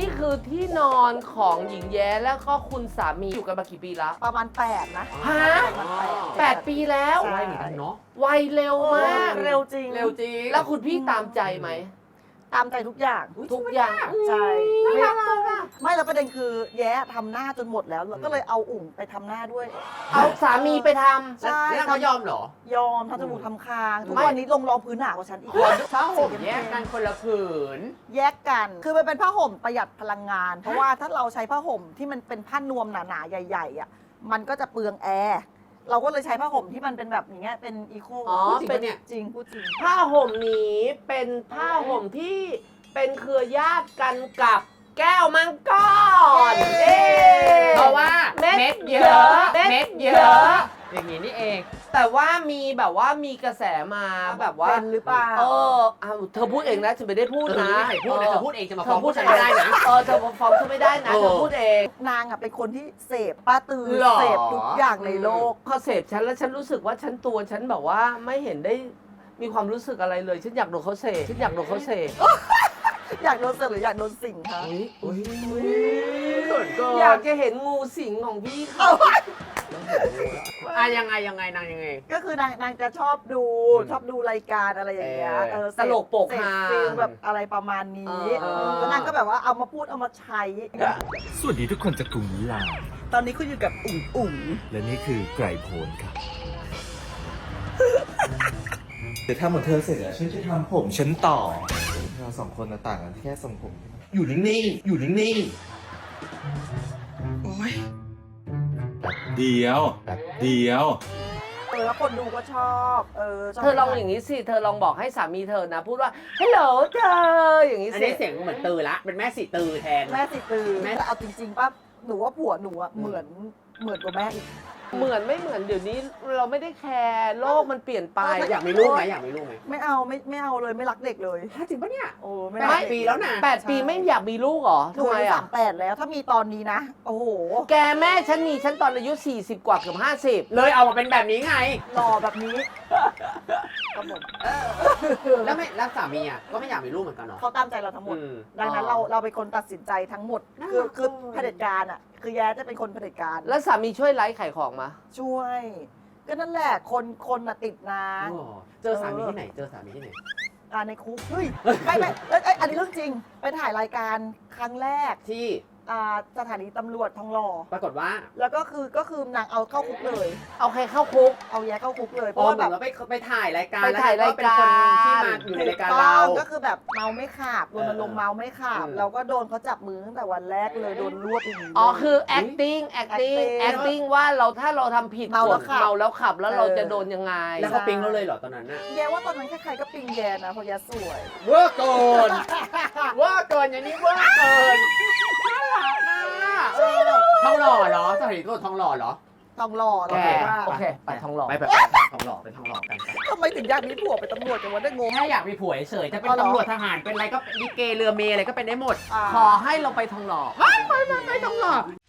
นี่คือที่นอนของหญิงแย้แล้วก็คุณสามีอยู่กันมากี่ปีแล้วประมาณ8นะฮะประมาณ 8 ปีแล้วใช่ไวเหมือนกันเนาะวัยเร็วมากเร็วจริงเร็วจริงแล้วคุณพี่ตามใจไหมตามใจทุกอย่างทุกอย่างใช่น่ารักอะไม่แล้วประเด็นคือแย้ทำหน้าจนหมดแล้วก็เลยเอาอุ๋งไปทำหน้าด้วยเอาสามีไปทใช่แล้วเขายอมเหรอยอมทำจมูกทำคาง ทุกไม่วันนี้ลงรองพื้นหนากว่าฉันอีกผ้าห่มแยกกันคนละผืนแยกกัน คือมันเป็นผ้าห่มประหยัดพลังงาน เพราะว่าถ้าเราใช้ผ้าห่มที่มันเป็นผ้านวมหนาๆใหญ่ๆอ่ะมันก็จะเปลืองแอร์เราก็เลยใช้ผ้าห่มที่มันเป็นแบบอย่างเงี้ยเป็นอีโคอ๋อพูดจริงเป็ปะนเนี่ยจริงพูดจริงผ้าห่มนี้เป็นผ้าห่มที่เป็นเครือญาติกันกับแก้วมังกรเย้เพราะว่าเม็ดเม็ดเยเยอะอะเม็ดเม็ดเยเยอะอะอย่างนี้นี่เองแต่ว่ามีแบบว่ามีกระแสมาแบบว่าเป็นหรือเปล่าเอาเธอพูดเองนะฉันไม่ได้พูดนะไม่พูดนะเธอพูดเองจะมาเธฟ้ออง พูพูดดฉันไม่ได้นะเธอฟ้องฉันไม่ได้นะเออเธอพูดเองนางอ่ะเป็นคนที่เสพป้าตือหรอเสพทุกอย่างในโลกพอเสพฉันแล้วฉันรู้สึกว่าฉันตัวฉันแบบว่าไม่เห็นได้มีความรู้สึกอะไรเลยฉันอยากโดนเขาเสพฉันอยากโดนเขาเสพอยากโดนเสพหรืออยากโดนสิ่งคะอุ้ยเกินเกินอยากจะเห็นงูสิงของพี่เขายังไงนางยังไงก็คือนางจะชอบดูรายการอะไรอย่างเงี้ยตลกโปกเสพฮาฟิลแบบอะไรประมาณนี้ แล้วนางก็แบบว่าเอามาพูดเอามาใช้สวัสดีทุกคนจากกรุงมิลานตอนนี้คุณอยู่กับอุ๋งและนี่คือไกรโพนครับ เดี๋ยวทำเหมือนเธอเสร็จแล้วฉันจะทำผมฉันต่อ เราสองคนน่ะต่างกันแค่ทรงผม อยู่นิ่งๆ อยู่นิ่งๆ โอ้ยเดียวแล้วคนดูก็ชอบชบเธอลองอย่างนี้สิเธอลองบอกให้สามีเธอนะ พูดว่าฮัลโหลเธออย่างนี้อันสินี้เสียงเหมือนตือละ เป็นแม่สีตือแทนแม่สิตือแม่แต่เอาจริงๆป่ะหนูว่าผัวหนูอะเหมือนกว่าแม่อีกเหมือนไม่เหมือนเดี๋ยวนี้เราไม่ได้แคร์โลกมันเปลี่ยนไปอยากมีลูกไหมอยากมีลูกไหมไม่เอาเลยไม่รักเด็กเลยจริงปะเนี่ยโอ้ไม่แปรัดกเด็กปีแล้วนะ 8 ปีไม่อยากมีลูกเหรอทำไมอ่ะ 38แล้วถ้ามีตอนนี้นะ โอ้โหแกแม่ฉันมีฉันตอนอายุ40 กว่าเกือบ50 เลยเอามาเป็นแบบนี้ไงหล่อแบบนี้ครับผมแล้วสามีอ่ะก็ไม่อยากมีลูกเหมือนกันเนาะเขาตามใจเราทั้งหมดอืมดังนั้นเราเป็นคนตัดสินใจทั้งหมดน่าคือรักคือจังเลยเผด็จการอ่ะ คือแย้จะเป็นคนเผด็จการแล้วสามีช่วยไลฟ์ขายของมาช่วย ก็นั่นแหละคนน่ะติดนางอ๋อเจอสามีที่ไหน เจอสามีที่ไหนในคุกเฮ้ยไม่อันนี้เรื่องจริงไปถ่ายรายการครั้งแรกที่สถานีตำรวจทองหล่อปรากฏว่าแล้วก็คือนางเอาเข้าคุกเลยเอาใครเข้าคุกเอาแย้เข้าคุกเลยเพอ๋อราะว่าเหมืแบอนบว่าไปถ่ายรายการไปถ่ายรายการแล้วเป็นคนที่มาอยู่ในรายการเราถูต้องก็คือแบบเมาไม่ขาบรณรงค์เมาไม่ขาบอืมเราก็โดนเขาจับมือตั้งแต่วันแรกเลยโดนรวบอย่างนี้อ๋อเลยคือ acting ว่าถ้าเราทำผิดเมาแล้วขับเมาแล้วขับแล้วเราเออจะโดนยังไงแล้วเขาปิ๊งเราเลยเหรอตอนนั้นน่ะแย้ว่าตอนนั้นใครๆก็ปิงแย้นะเพราะแย้สวยเวอร์เกิน เวอร์เกินอย่างนี้เวอร์เกินน่ารักนะทองหล่อเหรอสถานีตำรวจทองหล่อเหรอทองหล่อแกเราว่าโอเคไปทองหล่อไปทองหล่อไปทองหล่อกันทำไมถึงอยากมีผัวเป็นตำรวจจังวะได้งงถ้าอยากมีผัวเฉยๆจะเป็นอ๋อเหรอตำรวจทหารเป็นอะไรก็ลิเกเรือเมย์อะไรก็เป็นได้หมดขอให้เราไปทองหล่อไปทองหล่อ